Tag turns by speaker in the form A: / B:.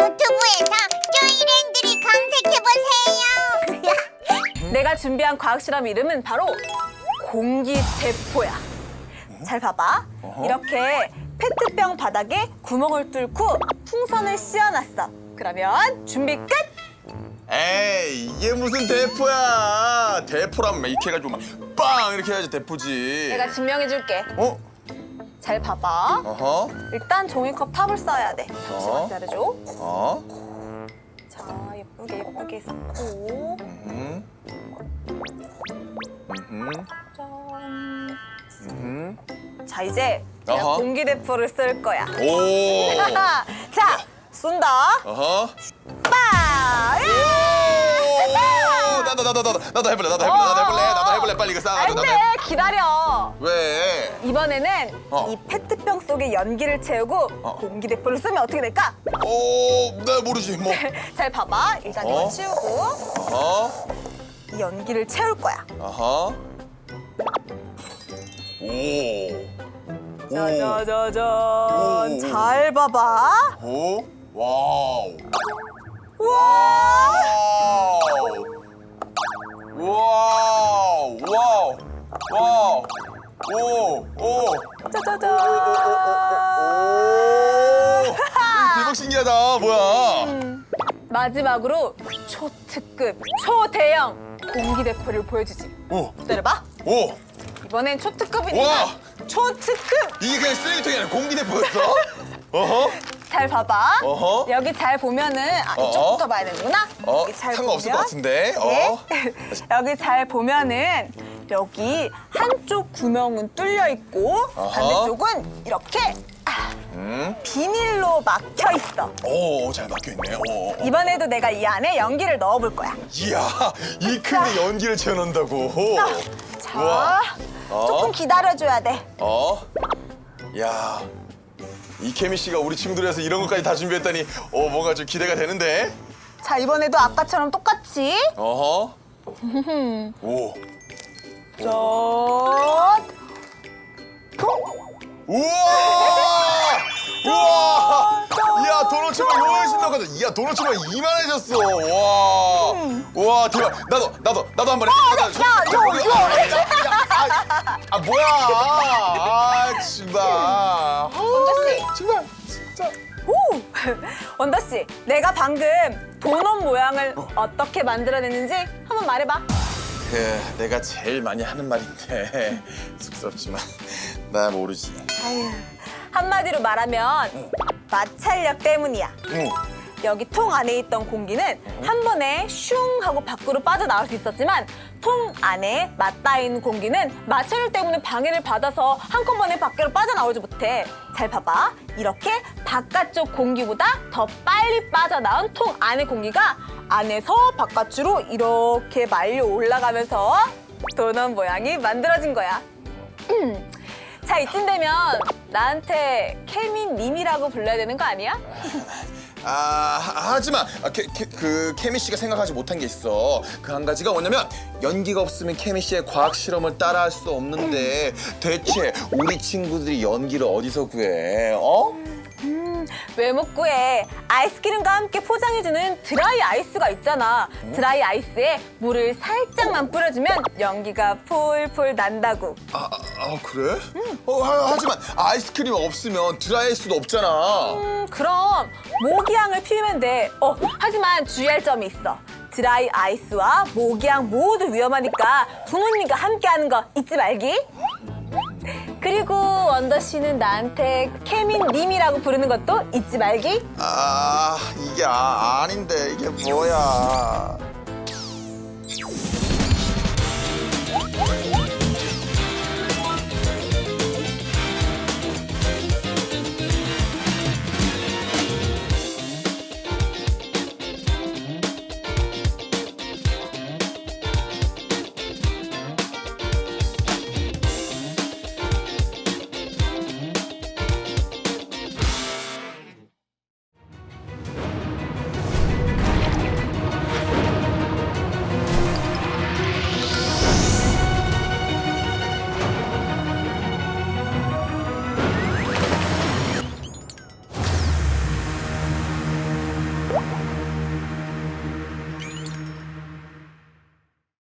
A: 유튜브에서 쪼이랜드를 검색해보세요.
B: 내가 준비한 과학 실험 이름은 바로 공기대포야. 잘 봐봐. 이렇게 페트병 바닥에 구멍을 뚫고 풍선을 씌워놨어. 그러면 준비 끝!
C: 에이, 이게 무슨 대포야. 대포라면 이렇게 해가지고 막 빵 이렇게 해야지 대포지.
B: 내가 증명해줄게.
C: 어?
B: 잘 봐봐.
C: 어허.
B: 일단 종이컵 탑을 써야 돼. 잠시만 기다려줘.
C: 어?
B: 자, 예쁘게 섞고. 짠. 자, 이제 내가
C: 어허.
B: 공기대포를 쓸 거야.
C: 오.
B: 자, 쏜다.
C: 어허.
B: 빵!
C: 나도 해볼래. 나도 해볼래. 빨리 이거
B: 안
C: 싸가지고.
B: 돼, 기다려.
C: 왜?
B: 이번에는 이 페트병 속에 연기를 채우고 공기대포를 쏘면 어떻게 될까?
C: 나 모르지 뭐.
B: 잘 봐봐. 일단 이거 치우고
C: 어허.
B: 이 연기를 채울 거야.
C: 어허. 오.
B: 짜자자잔.
C: 오.
B: 잘 봐봐.
C: 오. 와우.
B: 와!
C: 와우. 와우. 와우. 오.
B: 짜자잔.
C: 오. 대박 신기하다. 뭐야?
B: 마지막으로 초특급, 초대형 공기대포를 보여주지.
C: 오.
B: 기다려봐.
C: 오.
B: 이번엔 초특급이니까
C: 와.
B: 초특급.
C: 이게 그냥 쓰레기통이 아니라 공기대포였어? 어허.
B: 잘 봐봐.
C: 어허.
B: 여기 잘 보면은 이쪽부터 봐야 되는구나. 여기 잘
C: 상관없을
B: 보면.
C: 것 같은데.
B: 네. 여기 잘 보면은 여기 한쪽 구멍은 뚫려 있고 반대쪽은 이렇게 비닐로 막혀 있어.
C: 오, 잘 막혀있네. 오.
B: 이번에도 내가 이 안에 연기를 넣어볼 거야.
C: 이야, 이 큰데 연기를 채워넣는다고.
B: 자,
C: 우와.
B: 조금 기다려줘야 돼.
C: 야, 이 케미 씨가 우리 친구들에서 이런 것까지 다 준비했다니, 뭔가 좀 기대가 되는데.
B: 자, 이번에도 아까처럼 똑같이.
C: 어허. 오.
B: 짠.
C: 우와! 우와! 이야, 도넛츠만 훨씬 더 커져. 이야, 도넛츠만 이만해졌어. 와. 와, 대박. 나도 한 번 해. 뭐야? 정말.
B: 원더씨.
C: 정말. 진짜.
B: 오! 원더씨, 내가 방금 도넛 모양을 어떻게 만들어냈는지 한번 말해봐.
C: 내가 제일 많이 하는 말인데 쑥스럽지만 나 모르지.
B: 아유, 한마디로 말하면 마찰력 때문이야. 여기 통 안에 있던 공기는 한 번에 슝 하고 밖으로 빠져나올 수 있었지만 통 안에 맞닿아 있는 공기는 마찰력 때문에 방해를 받아서 한꺼번에 밖으로 빠져나오지 못해. 잘 봐봐. 이렇게 바깥쪽 공기보다 더 빨리 빠져나온 통 안의 공기가 안에서 바깥으로 이렇게 말려 올라가면서 도넛 모양이 만들어진 거야. 자, 이쯤 되면 나한테 케미님이라고 불러야 되는 거 아니야?
C: 하지만 그 케미 씨가 생각하지 못한 게 있어. 그 한 가지가 뭐냐면 연기가 없으면 케미 씨의 과학 실험을 따라할 수 없는데 대체 우리 친구들이 연기를 어디서 구해?
B: 왜 못 구해? 아이스크림과 함께 포장해주는 드라이 아이스가 있잖아. 드라이 아이스에 물을 살짝만 뿌려주면 연기가 폴폴 난다고.
C: 그래? 하지만 아이스크림 없으면 드라이할 수도 없잖아.
B: 그럼 모기향을 피우면 돼. 하지만 주의할 점이 있어. 드라이 아이스와 모기향 모두 위험하니까 부모님과 함께하는 거 잊지 말기. 그리고 원더 씨는 나한테 케민님이라고 부르는 것도 잊지 말기.
C: 이게 아닌데 이게 뭐야?